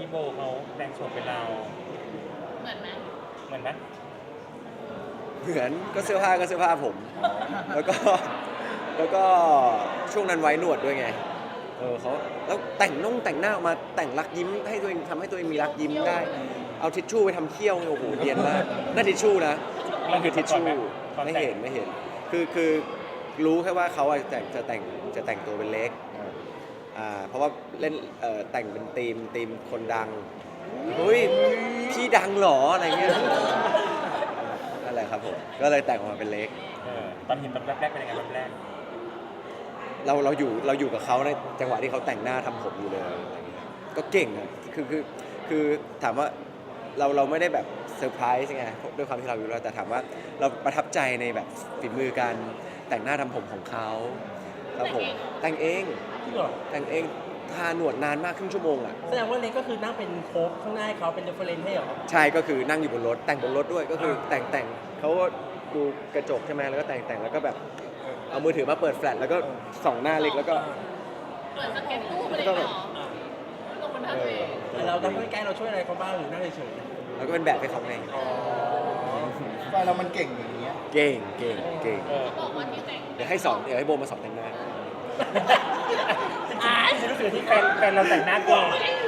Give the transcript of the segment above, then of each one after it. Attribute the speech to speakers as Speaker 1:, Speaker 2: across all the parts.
Speaker 1: โบเขาแต่งโฉมเป็นเรา
Speaker 2: เหมือนไหม
Speaker 1: เหมือนไหม
Speaker 3: เหมือนก็เสื้อผ้าก็เสื้อผ้าผมแล้วก็ช่วงนั้นไว้หนวดด้วยไงเขาแล้วแต่งหน้าออกมาแต่งรักยิ้มให้ตัวเองทำให้ตัวเองมีรักยิ้มได้เอาทิชชู่ไปทำเขี้ยวโอ้โหเนียนมากนั่นทิชชู่นะนั่นคือทิชชู่ไม่เห็นคือรู้แค่ว่าเขาจะแต่งตัวเป็นเล็กเพราะว่าเล่นแต่งเป็นธีมคนดังเฮ้ยพี่ดังเหรออะไรเงี้ยนั่นแหละครับผมก็เลยแต่งออกมาเป็นเล็ก
Speaker 1: ตอนเห็นแบบแรกเป็นยังไงแบบแรก
Speaker 3: เราอยู่กับเขาในจังหวะที่เขาแต่งหน้าทำผมอยู่เลยก็เก่งอ่ะคือถามว่าเราไม่ได้แบบเซอร์ไพรส์ไงด้วยความที่เราอยู่แล้วแต่ถามว่าเราประทับใจในแบบฝีมือการแต่งหน้าทำผมของเขาครับผมแต่งเองทาหนวดนานมากครึ่งชั่วโมงอ่ะ
Speaker 4: แสดงว่าเล็กก็คือนั่งเป็นโค้ชข้างหน้าเขาเป็นเรฟเฟอเรนซ์ให้เหรอ
Speaker 3: ใช่ก็คือนั่งอยู่บนรถแต่งบนรถด้วยก็คือแต่งเขาก็ดูกระจกใช่ไหมแล้วก็แต่งแล้วก็แบบเอามือถือมาเปิดแฟลชแล้วก็ส่องหน้าเล็กแล้วก็
Speaker 2: เปิดสเก็ตตู้ไปเลยเหรอลงบนท่าตัวเอง
Speaker 4: เราทำใกล้ๆเราช่วยอะไรเขาบ้างหรือนั่งเฉย
Speaker 3: ๆแล้วก็เป็นแบบให้เขาไง
Speaker 5: ไฟเรามันเก่งอย่างนี้
Speaker 3: เก่ง
Speaker 2: บอกว่าที่แต่ง
Speaker 3: เดี๋ยวให้โบมาสอนแต่งหน้า
Speaker 1: ฉันรู้สึกที่แฟนเราแต่งหน้าก่อน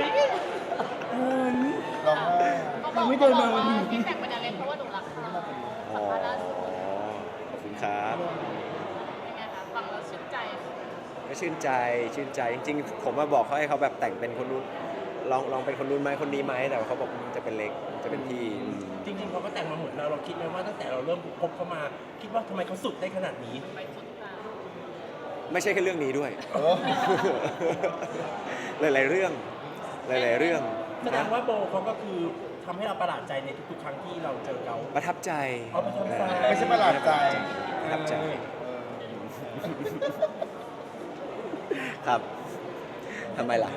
Speaker 5: เราไม่เดินมาวันนี้
Speaker 2: ที่แต่งเป็นอะไรเพราะว่าหนูรักเขา
Speaker 3: ขอบคุณครับ
Speaker 2: เป็นไงคะฟังแล้วชื่นใจ
Speaker 3: ก็ชื่นใจจริงๆผมมาบอกเขาให้เขาแบบแต่งเป็นคนนู้นลองเป็นคนนู้นไหมคนนี้ไหมแต่เขาบอกจะเป็นเล็กจะเป็นพี่
Speaker 4: จริงๆเขาก็แต่งมาเหมือนเราคิดไหมว่าตั้งแต่เราเริ่มพบเขามาคิดว่าทำไมเขาสุดได้ขนาดนี้
Speaker 3: ไม่ใช่แค่เรื่องนี้ด้วยหลายๆเรื่อง
Speaker 4: แสดงว่าโบเขาก็คือทำให้เราประหลาดใจในทุกๆครั้งที่เราเจอเขา
Speaker 3: ประทับใจ
Speaker 5: ไม่ใช่ประหลาดใจ
Speaker 3: ประทับใจครับทำไมล่ะ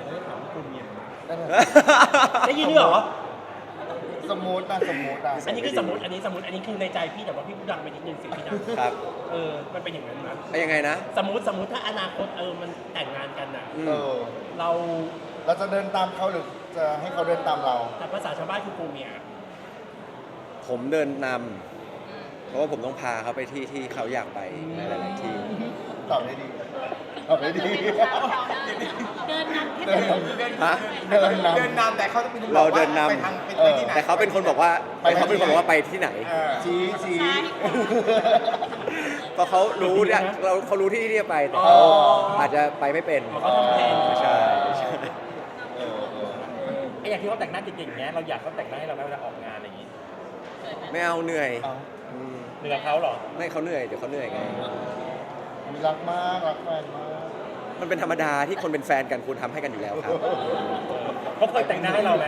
Speaker 4: ได้ยินด้วยเหรอ
Speaker 5: สมมุตินะ
Speaker 4: อันนี้คือสมมติอันนี้คือในใจพี่แต่ว่าพี่พูดดังไปนิดนึงสิ่งที่ดัง
Speaker 3: ครับ
Speaker 4: มันเป็นอย่างนั้นนะ
Speaker 3: ยังไงนะ
Speaker 4: สมมติถ้าอนาคตมันแต่งงานกันนะเรา
Speaker 5: จะเดินตามเขาหรือจะให้เขาเดินตามเรา
Speaker 4: แต่ภาษาชาวบ้านคือโกเมีย
Speaker 3: ผมเดินนำเพราะว่าผมต้องพาเขาไปที่เขาอยากไปในหลายๆที่
Speaker 5: ตอบได้ดี
Speaker 2: เดินนำ
Speaker 5: เดินนำแต่เขาจะเป็น
Speaker 3: เราเดินนำแต่เขาเป็นคนบอกว่าไปที่ไหน
Speaker 5: ชี้
Speaker 3: เพราะเขารู้เขารู้ที่จะไปแต่เขาอาจจะไปไม่เป็นใช่
Speaker 1: อย่างที่เขาแต่งหน้าเก่งๆเนี้ยเราอยากเขาแต่งหน้าให้เราเวลาออกงานอะไรอย่างงี้
Speaker 3: ไม่เอาเหนื่อย
Speaker 1: เหนื่อยเขาหรอ
Speaker 3: ไม่เขาเหนื่อยเดี๋ยวเขาเหนื่อยไง
Speaker 5: รักมากรักแฟนมาก
Speaker 3: มันเป็นธรรมดาที่คนเป็นแฟนกันควรทำให้กันอยู่แล้วครับ
Speaker 1: เขาเคยแต่งหน้าให้เราไหม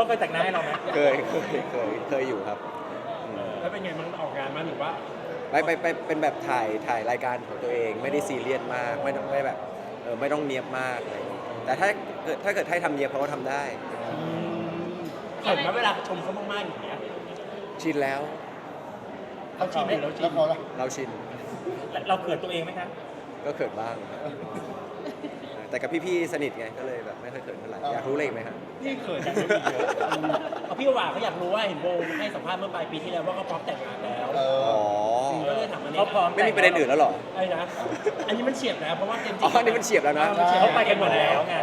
Speaker 3: เคยอยู่ครับ
Speaker 4: แล้วเป็นไงมันออกงานมาหรือว่า
Speaker 3: ไปเป็นแบบถ่ายรายการของตัวเองไม่ได้ซีเรียสมากไม่แบบไม่ต้องเนียบมากอะไรแต่ถ้าเกิดให้ทำเนียบเขาก็ทำได้
Speaker 4: เห็นไหมเวลาชมเขามากๆอย่างเงี้ย
Speaker 3: ชินแล้ว
Speaker 4: เราชิน
Speaker 3: เราชิน
Speaker 1: เราเขินตัวเองไหมครับ
Speaker 3: ก็เขินบ้างแต่กับพี่ๆสนิทไงก็เลยแบบไม่ค่อยเขินเท่าไหร่อยากรู้เลขไหมครับ
Speaker 4: พี่เขินกันเยอะพี่ว่าเขาอยากรู้ว่าเห็นโบให้สัมภาษณ์เมื่อปลายปีที่แล้วว่าเขาพร้อมแต่งงานแล้วก็เลยถามอันนี้
Speaker 3: เขาพร้อมไม่มีประเด็นอื่นแล้วหรอ
Speaker 4: ไอ้นะอันนี้มันเฉียบแล้วเพราะว่าเจมส์
Speaker 3: อันนี้มันเฉียบแล้วนะ
Speaker 1: เขาไปกันหมดแล้วไง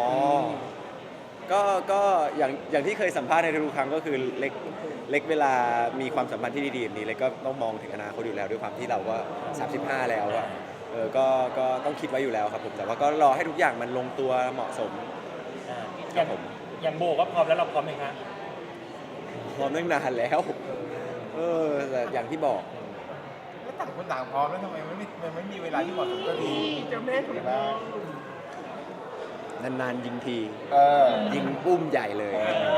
Speaker 3: ก็อย่างที่เคยสัมภาษณ์ในทุกครั้งก็คือเล็กเวลามีความสัมพันธ์ที่ดีๆแบบนี้เล็กก็ต้องมองถึงอนาคตอยู่แล้วด้วยความที่เราก็35แล้วอะก็ต้องคิดไว้อยู่แล้วครับผมแต่ว่าก็รอให้ทุกอย่างมันลงตัวเหมาะสม
Speaker 1: อย่างโบก็พร้อมแล้วเราพร้อมไหมครับ
Speaker 3: พร้อมตั้งนานแล้วแต่อย่างที่บอก
Speaker 5: แล้วต่างคนต่างพร้อมแล้วทำไมไม่มีเวลาที่เหมาะสมก็ดี
Speaker 4: เจ้าแม่ถูกต้อง
Speaker 3: นานๆยิงทียิงปุ้มใหญ่เลย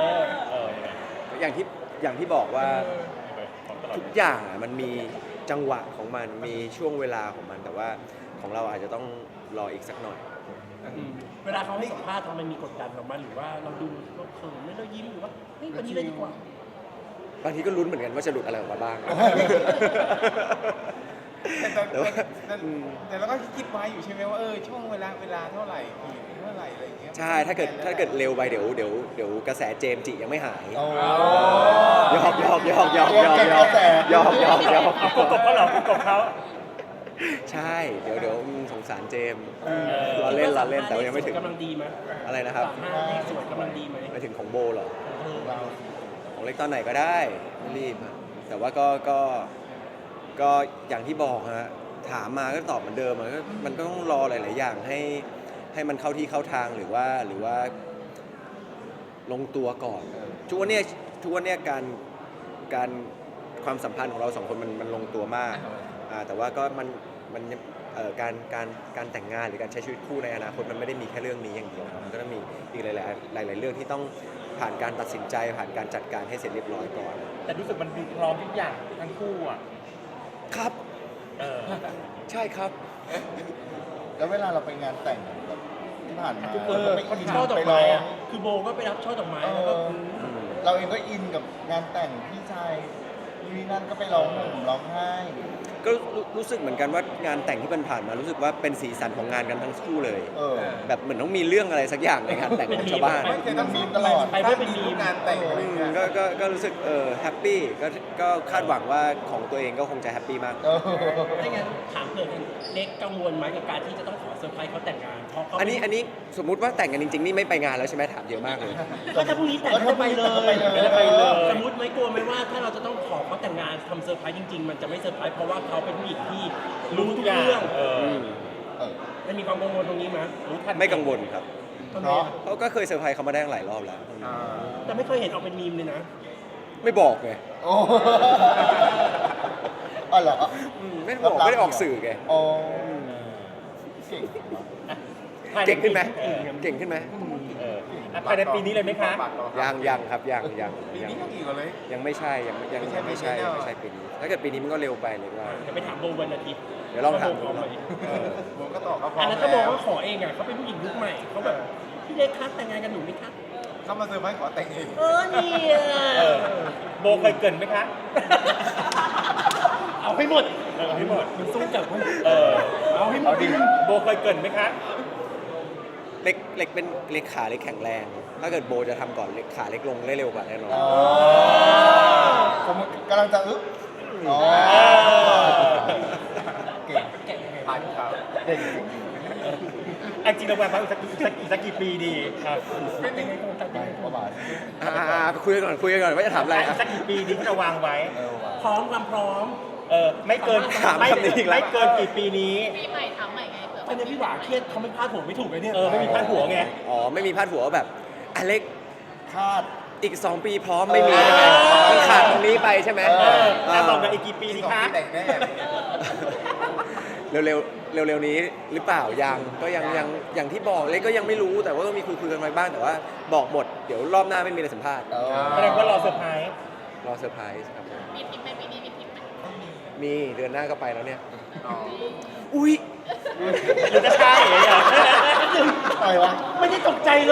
Speaker 3: อย่างที่บอกว่าทุกอย่างมันมีจังหวะของมันมีช่วงเวลาของมันแต่ว่าของเราอาจจะต้องรออีกสักหน่อย
Speaker 4: เวลาเขาให้สัมภาษณ์ทำไมมีกดดันออกมาหรือว่าเราดูเราเขินไม่เรายิ้มหรือว่าเฮ้ยวันนี้เลยดีกว่า
Speaker 3: บางทีก็ลุ้นเหมือนกันว่าจะหลุดอะไรออกมาบ้างแต่ว่า
Speaker 5: แต่เราก็คิดไว้อยู่ใช่ไหมว่าช่วงเวลาเท่าไหร่เท่าไหร่อะไรอย่างเงี้ย
Speaker 3: ใช่ถ้าเกิดเร็วไปเดี๋ยวกระแสเจมส์จิยังไม่หาย
Speaker 6: โอ้
Speaker 3: หยอก
Speaker 1: เอากบเขาเหรอกบเขา
Speaker 3: ใช่เดี๋ยวสงสารเจมส์เราเล่นแต่ว่ายังไม่ถึง
Speaker 4: กำลังดีไหม
Speaker 3: อะไรนะครับ
Speaker 4: 35เลขสวยกำลังดีไหม
Speaker 3: ไปถึงของโบเหรอ
Speaker 6: เรา
Speaker 3: ของเล็กตอนไหนก็ได้ไม่รีบอะแต่ว่าก็อย่างที่บอกฮะถามมาก็ตอบเหมือนเดิมอะก็มันก็ต้องรอหลาย ๆ อย่างให้มันเข้าที่เข้าทางหรือว่าลงตัวก่อนทุกวันเนี้ยการความสัมพันธ์ของเราสองคนมันลงตัวมากแต่ว่าก็มันการแต่งงานหรือการใช้ชีวิตคู่ในอนาคตมันไม่ได้มีแค่เรื่องนี้อย่างเดียวครับมันก็ต้องมีอีกหลาย ๆ เรื่องที่ต้องผ่านการตัดสินใจผ่านการจัดการให้เสร็จเรียบร้อยก่อน
Speaker 1: แต่รู้สึกมันดูพร้อมทุกอย่างทั้งคู่อ่ะ
Speaker 3: ครับ
Speaker 1: เออ
Speaker 3: ใช่ครับ
Speaker 6: แล้วเวลาเราไปงานแต่งแบบที่ผ่านมา
Speaker 4: ช่อดอกไม้อะคือโบก็ไปรับช่อดอกไม้แล้วก็
Speaker 6: เราเองก็อินกับงานแต่งพี่ชายนี่นั่นก็ไปร้องห่มร้องไห้
Speaker 3: ก็รู้สึกเหมือนกันว่างานแต่งที่ผ่านมารู้สึกว่าเป็นสีสันของงานกันทั้งคู่เลย แบบเหมือนต้องมีเรื่องอะไรสักอย่างในงานแต่งของชาวบ้าน
Speaker 5: ไม่เคยต้องมี
Speaker 6: ตลอด
Speaker 4: ไปไม่เป็นมี
Speaker 5: งานแต่งอะไรเงี้ย
Speaker 3: ก็รู้สึกแฮปปี้ก็คาดหวังว่าของตัวเองก็คงจะแฮปปี้มาก
Speaker 4: ถ้างั้นถามเผื่อเล็กกังวลไหมกับการที่จะต้องขอเซอร์ไพรส์เขาแต่งงานเพราะเขา
Speaker 3: อันนี้สมมุติว่าแต่งกันจริง ๆ นี่ไม่ไปงานแล้วใช่ไหมถามเยอะมากเลย
Speaker 4: ก็ถ้าพรุ่งนี้แต่งก็จะไปเลย
Speaker 6: ก็จะไปเลย
Speaker 4: สมมติไหมกลัวไหมว่าถ้าเราจะต้องขอเขาแต่งงานทำเซอร์ไพรส์จริงๆมันจะไม่เซอร์ไพรส์เพราะว่าเขาเป็นผู้หญิงที่รู้ทุกเรื่อง มันมีความกังวลตรงนี้ไหม
Speaker 1: รู้ทัน
Speaker 3: ไม่กังวลครับ
Speaker 4: ทำไมอะ
Speaker 3: เขาก็เคยเซอร์ไพรส์เขามาได้หลายรอบแล้ว
Speaker 4: แต่ไม่เคยเห็นออกเป็นมีมเลยนะ
Speaker 3: ไม่บอกไง
Speaker 6: โอ้อ๋อเหรอ
Speaker 3: ไม่ได้บอกไม่ได้ออกสื่อไง
Speaker 6: โอ้เก่ง
Speaker 3: เก่งขึ้นไหมเก่งขึ้นไหม
Speaker 1: ภายในปีนี้เลยไหมคะ
Speaker 3: ยังครับยัง
Speaker 5: ปีนี้ก็กี่กว่าเลย
Speaker 3: ยังไม่ใช่ยังไม่ใช่ปีนี้ถ้าเกิดปีนี้มันก็เร็วไปเลยว่า
Speaker 4: จะไปถามโบวันอาทิตย์
Speaker 3: เดี๋ยวลองถาม
Speaker 4: โบพร้อมไหม
Speaker 5: ผมก็ตอบเขาพร้อ
Speaker 4: อัน
Speaker 5: ม
Speaker 4: นั้น
Speaker 5: แล้
Speaker 4: เขาบอก
Speaker 5: ว
Speaker 4: ว่าขอเองอ่ะเขาเป็นผู้หญิงยุคใหม่เขาแบบพี่เล็กคัดแต่งงานกันหนูไหมคะ
Speaker 5: เขามาเซอร์ไพรส์ขอแต่งเอง
Speaker 4: นี่
Speaker 1: โบเคยเกรินไหมคะ
Speaker 4: เอาให้หมด
Speaker 1: เอาให้หมด
Speaker 4: มันสู้กับมัน
Speaker 6: เอาให้หมดดิ
Speaker 1: โบเคยเกรินไหมคะ
Speaker 3: เล็กเป็นเล็กขาเล็กแข็งแรง ถ้าเกิดโบจะทำก่อนเล็กขาเล็กลงได้เร็วกว่าแน่นอน
Speaker 6: ผมกำลังจะอึ๊บอ๋อเก่ง
Speaker 5: ผ่านข่าว
Speaker 6: เก่ง
Speaker 1: อันจริงเราแวางไว้อีกสักกี่ปีดีครับ
Speaker 6: ประมาณ
Speaker 3: คุยกันก่อนว่าจะถามอะไร
Speaker 1: อีกสักกี่ปีดีที่เราวางไว้
Speaker 6: ว่ะ
Speaker 4: พร้อมความพร้อม
Speaker 1: ไม่เกิน
Speaker 3: ถามคำนี้อีกแล้ว
Speaker 1: ไม่เกินกี่ปีนี้
Speaker 2: ปีใหม่ถามใหม่ไงเผื่อ
Speaker 4: อันนี้พี่หวาเครียดเขาไม่พลาดผมไม่ถูกเลยเนี่ย
Speaker 1: ไม่มีพาดหัวไง
Speaker 3: อ๋อไม่มีพาดหัวว่าแบบอเล็ก
Speaker 6: คาด
Speaker 3: อีก 2 ปีพร้อมไม่มีใช่ไหมมันขาดตรงนี้ไปใช่ไหม
Speaker 1: ถ้าบอกกันอีกกี่ปีดี
Speaker 5: สอง
Speaker 1: คะ
Speaker 5: ปีแต่งแน่
Speaker 3: เร็วนี้หรือเปล่ายังก็ยังอย่างที่บอกเล็กก็ยังไม่รู้แต่ว่าก็มีคุยกันไว้บ้างแต่ว่าบอกหมดเดี๋ยวรอบหน้าไม่มีอะไรสัมภาษณ์
Speaker 1: แสดงว่ารอเซอร์ไพรส์
Speaker 3: รอเซอร์ไพรส์ครับ
Speaker 2: มีทริปไหมปีนี้มีทริปไหม
Speaker 3: มีเดือนหน้าก็ไปแล้วเนี่ย
Speaker 5: อ๋อ
Speaker 3: อุ้ย
Speaker 1: หรือจะใช่เหรอ
Speaker 6: อะไรวะ
Speaker 4: ไม่ได้ตกใจเลย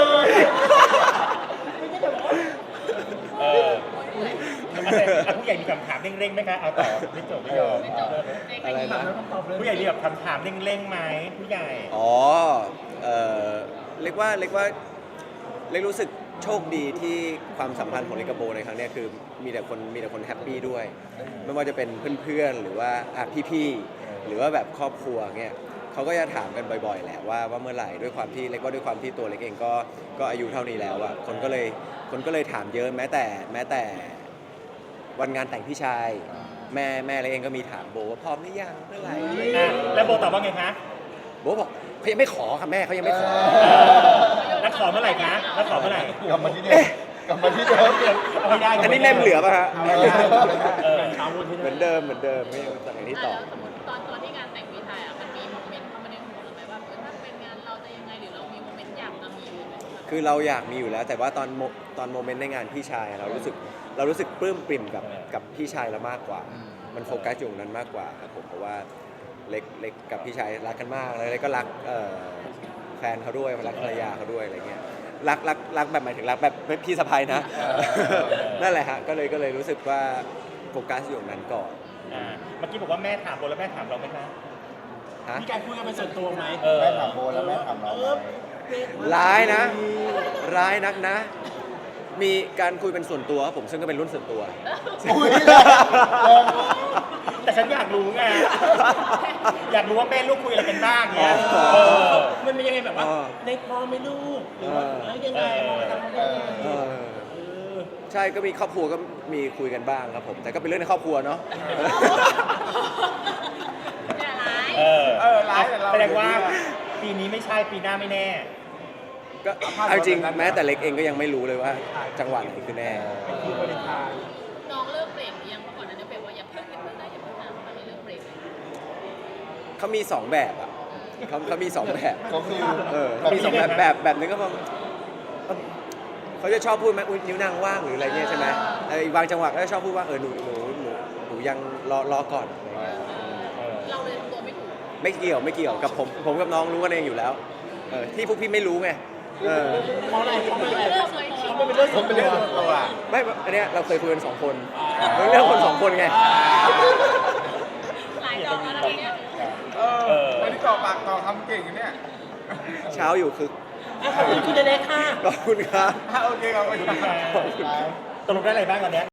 Speaker 1: ผู้ใหญ่มีคำถามเร่งๆไหมคะเอาต่อไม่จบไม่ยอม
Speaker 2: ไม่จบเด็ก
Speaker 3: อะไรนะ
Speaker 1: ผู้ใหญ่มีแบบคำถามเร่งๆไหมผู้ใหญ่
Speaker 3: อ๋อเล็กว่าเล็กรู้สึกโชคดีที่ความสัมพันธ์ของเล็กกับโบในครั้งเนี้ยคือมีแต่คนแฮปปี้ด้วย ไม่ว่าจะเป็นเพื่อนๆหรือว่าพี่ๆหรือว่าแบบครอบครัวเงี้ยเขาก็จะถามกันบ่อยๆแหละว่าเมื่อไหร่ด้วยความที่เล็กว่าด้วยความที่ตัวเล็กเองก็อายุเท่านี้แล้วอ่ะคนก็เลยถามเยอะแม้แต่วันงานแต่งพี่ชายแม่เล็กเองก็มีถามโบว่าพร้อมหรือยังเมื่อไหร่
Speaker 1: แล้วโบตอบว่าไงคะ
Speaker 3: โบบอกเขายังไม่ขอค่ะแม่เขายังไม่ขอ
Speaker 1: แล้วขอเมื่อไหร่คะแล้วขอเมื่อไหร่
Speaker 6: กลับมาที่เดิมกลับมาที่เดิม
Speaker 1: เอาไม่ได้
Speaker 3: อันนี้เล่มเหลือป่ะฮะ
Speaker 4: เช้าวันที่
Speaker 3: เหมือนเดิมไม่จากอย่างที่ตอบ
Speaker 2: แล้วสมมติตอนที่งานแต่งพี่ชายมันมีโมเมนต์เข้ามาในหัวเราไหมว่าถ้าเป็นงานเราจะยังไงหรือเรามีโมเมนต์อยากจะมีไหม
Speaker 3: คือเราอยากมีอยู่แล้ว แต่ว่าตอนโมเมนต์ในงานพี่ชายเรารู้สึกปลื้มปริ่มกับพี่ชายเรามากกว่า มันโฟกัสอยู่ตรงนั้นมากกว่าครับผมเพราะว่าเล็กกับพี่ชายรักกันมากแล้วเล็กก็รักแฟนเขาด้วยรักภรรยาเขาด้วยอะไรเงี้ยรักแบบหมายถึงรักแบบพี่สะใภ้นะนั่นแหละฮะก็เลยรู้สึกว่าโฟกัสอยู่ตรงนั้นก่อน
Speaker 1: เมื่อกี้บอกว่าแม่ถามโบแล้วแม่ถามเราไหมคะ
Speaker 3: ฮะ
Speaker 4: มีการคุยกันเป็นส่วนตัวไหม
Speaker 6: แม่ถามโบแล้วแม่ถามเราไหม
Speaker 3: ร้ายนะ ร้ายนักนะ มีการคุยเป็นส่วนตัวครับผมซึ่งก็เป็นรุ่นส่วนตัว
Speaker 6: อุ้ยแรงแรง
Speaker 1: แต่ฉันอยากรู้ไง อยากรู้ว่าแม่ลูกคุยอะไรกันบ้างเงี้ย
Speaker 3: อ๋อ
Speaker 1: เออ
Speaker 4: มันเป็นยังไงแบบว่า
Speaker 3: อ๋อ
Speaker 4: ในพอไม่ลูกหรือว่าแล้วยังไงทำได้ยังไง
Speaker 3: เออใช่ก็มีครอบครัวก็มีคุยกันบ้างครับผม แต่ก็เป็นเรื่องในครอบครัวเนาะ
Speaker 2: อย่าร้าย
Speaker 1: เออ
Speaker 5: ร้ายแต่เรา
Speaker 1: แสดงว่าปีนี้ไม่ใช่ปีหน้าไม่แน่
Speaker 3: ก็เอาจริงแม้แต่เล็กเองก็ยังไม่รู้เลยว่า จังหวะไหนคือแน่
Speaker 5: คือวาเลนไทน์
Speaker 2: น้องเลิกเบรกหรือยังเมื่อก่อนนั้นเบรกว่าอย่าเพิ่งนะอย่าเพิ่งนะตอนนี้เลิกเบรกเลย
Speaker 3: เขามี2แบบอ่ะเขามี2แบบ
Speaker 6: ก็คือ
Speaker 3: เขามี2แบบนึงก็แบบเขาจะชอบพูดไหมอุ๊ยนิ้วนางว่างหรืออะไรเงี้ยใช่ไหมอีกบางจังหวะก็จะชอบพูดว่าหนูยังรอก่อนอะไรเงี้ย
Speaker 2: เราเลยทำตัวไม่ถูก
Speaker 3: ไม่เกี่ยวกับผมกับน้องรู้กันเองอยู่แล้วที่พวกพี่ไม่รู้ไง
Speaker 4: เพราะอะไรเพราะอะไร
Speaker 2: เลิกเลย
Speaker 4: เขาไม่เป็นเรื่องส่
Speaker 5: ผ
Speaker 4: ว
Speaker 5: ม
Speaker 4: น
Speaker 5: เป็น
Speaker 4: ตั
Speaker 5: เรื่
Speaker 4: ว
Speaker 5: องส่วนตัว
Speaker 3: ไม่อันเนี้ยเราเคยคุยกัน2 คนเรื่องคน2 คนไง
Speaker 2: หลายดอกแล้วนะเนี่ย
Speaker 5: วันนี้ต่อปากต่อคำเก่งอยู่เนี่ย
Speaker 3: เช้าอยู่คือ
Speaker 4: ขอบคุณคุณเล็กค่ะ
Speaker 3: ขอบคุณครับ
Speaker 5: โอเคครับ
Speaker 1: ตกลงได้อะไรบ้างตอนเนี้ย